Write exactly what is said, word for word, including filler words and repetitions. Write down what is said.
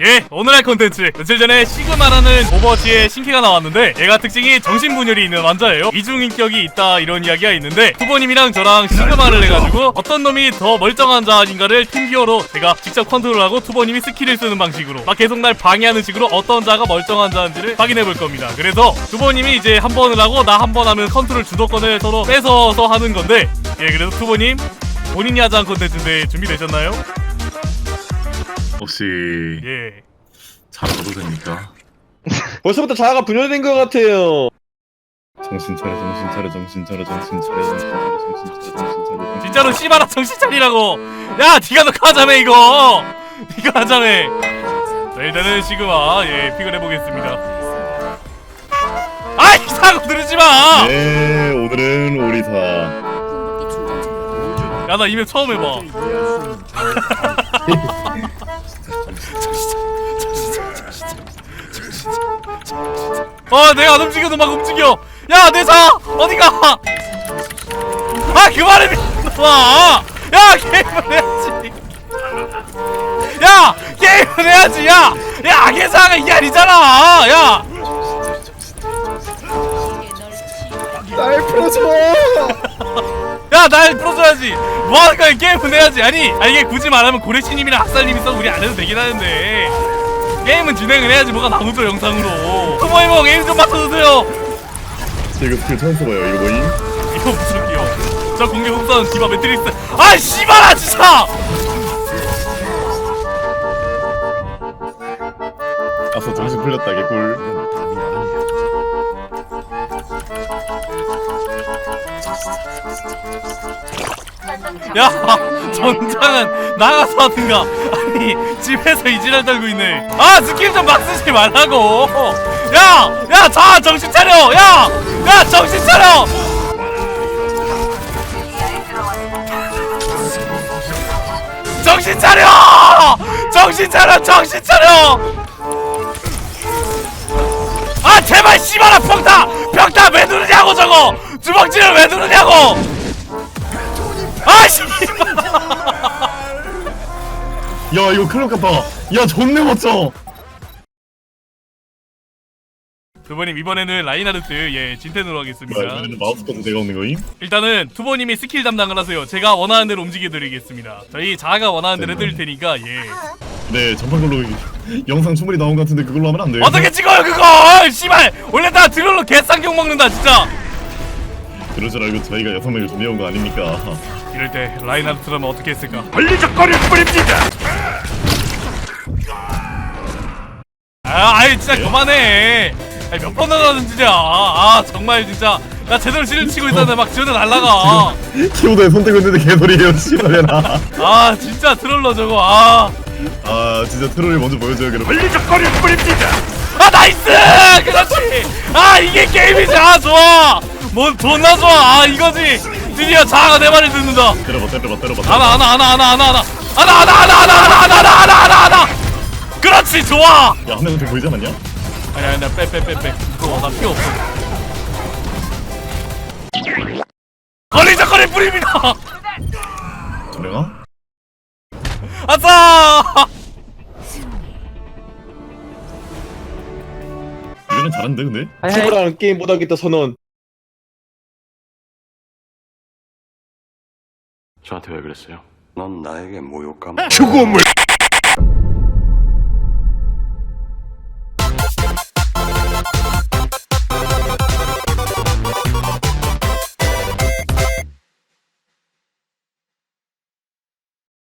예, 오늘 할 콘텐츠 며칠 전에 시그마라는 오버워치의 신캐가 나왔는데 얘가 특징이 정신분열이 있는 환자예요. 이중인격이 있다 이런 이야기가 있는데 투보님이랑 저랑 시그마를 해가지고 어떤 놈이 더 멀쩡한 자인가를 팀기어로 제가 직접 컨트롤하고 투보님이 스킬을 쓰는 방식으로 막 계속 날 방해하는 식으로 어떤 자가 멀쩡한 자인지를 확인해볼 겁니다. 그래서 투보님이 이제 한 번을 하고 나 한 번 하면 컨트롤 주도권을 서로 뺏어서 하는 건데, 예, 그래서 투보님 본인이 하자는 콘텐츠인데 준비되셨나요? 혹시 예. 잘하도 됩니까? 벌써부터 자아가 분열된 것 같아요. 정신 차려 정신 차려 정신 차려 정신 차려 정신 차려 정신 차려 정신 차려. 진짜로 씨발아 정신 차리라고. 야 니가 녹화 하자며 이거. 니가 하자며. 자, 일단은 시그마 예 픽을 해보겠습니다. 아 이상한 거 들으지마. 네, 오늘은 오리사. 야 나 이맵 처음 해봐. 어 내가 안 움직여도 막 움직여. 야 내 사 어디가? 아 그만해 미친놈아. 야 게임을 해야지. 야 게임을 해야지. 야 야 악의 사가 이게 아니잖아. 야 날 풀어줘. 야 날 풀어줘야지. 뭐하는 거야. 게임은 해야지. 아니 아 이게 굳이 말하면 고래씨님이랑 학살님이 있어도 우리 안 해도 되긴 하는데 게임은 진행을 해야지. 뭐가 나오죠 영상으로. 투모이모 게임 좀 맞춰주세요. 이거 스킬 처음 써봐요. 이거 뭐임? 이거 무슨 기요? 저 공격 흡수하는 디바 매트릭스. 아 씨발아 진짜. 아서 정신 풀렸다 개꿀. 야 전장은 나가서 하든가. 아니 집에서 이지랄 떨고 있네. 아 스킬 좀 막 쓰지 말라고. 야야 자 정신 차려. 야야 정신 차려. 정신 차려. 정신 차려. 정신 차려. 아 제발 씨발아 평타. 평타 왜 누르냐고. 저거 주먹질을 왜 누르냐고. 아 씨발. 야 이거 클럽 같다. 야 존내 멋져. 투보님 이번에는 라인하르트 예 진텐으로 하겠습니다. 뭐야 이번에는 마우스까지 내가 없는 거임? 일단은 투보님이 스킬 담당을 하세요. 제가 원하는 대로 움직여드리겠습니다. 저희 자아가 원하는 대로 네. 해드릴 테니까 예. 네 전판 걸로 영상 충분히 나온 것 같은데 그걸로 하면 안 돼요? 어떻게 찍어요 그거. 씨발 원래 다 드롤로 개쌍경 먹는다 진짜. 그럴 줄 알고 저희가 여섯 명을 준비해온 거 아닙니까? 이럴 때 라인하르트라면 어떻게 했을까. 걸리적거릴 뿐입니다. 아 아이 진짜 그만해. 아니 몇 번 나가는 진짜. 아 정말 진짜 나 제대로 실을 치고 있었는데 막 지원에 날라가. 키보드에 손 떼고 있는데 개소리예요 씨발려나. 아 진짜 트롤러 저거. 아, 아 진짜 트롤을 먼저 보여줘요 여러분. 걸리적거릴 뿐입니다. 아 나이스. 그렇지. 아 이게 게임이지. 아 좋아. 뭔 존나 좋아. 아 이거지. 드디어 자아가 내 말을 듣는다. 때려봐 때려봐 때려봐. 하나 하나 하나 하나 하나 하나 하나 하나 하나 하나 하나 하나 하나 하나 하나 하나. 그렇지 좋아. 야한 명한테 보이지 않았냐? 아니 아니 나빼 빼 빼빼. 어, 나 필요 없어. 걸리적거릴 뿐입니다. 저래가? 아싸. 이거는 잘하는데 근데? 친구랑 게임 못하겠다 선언. 저한테 왜 그랬어요? 넌 나에게 모욕감. 죽음을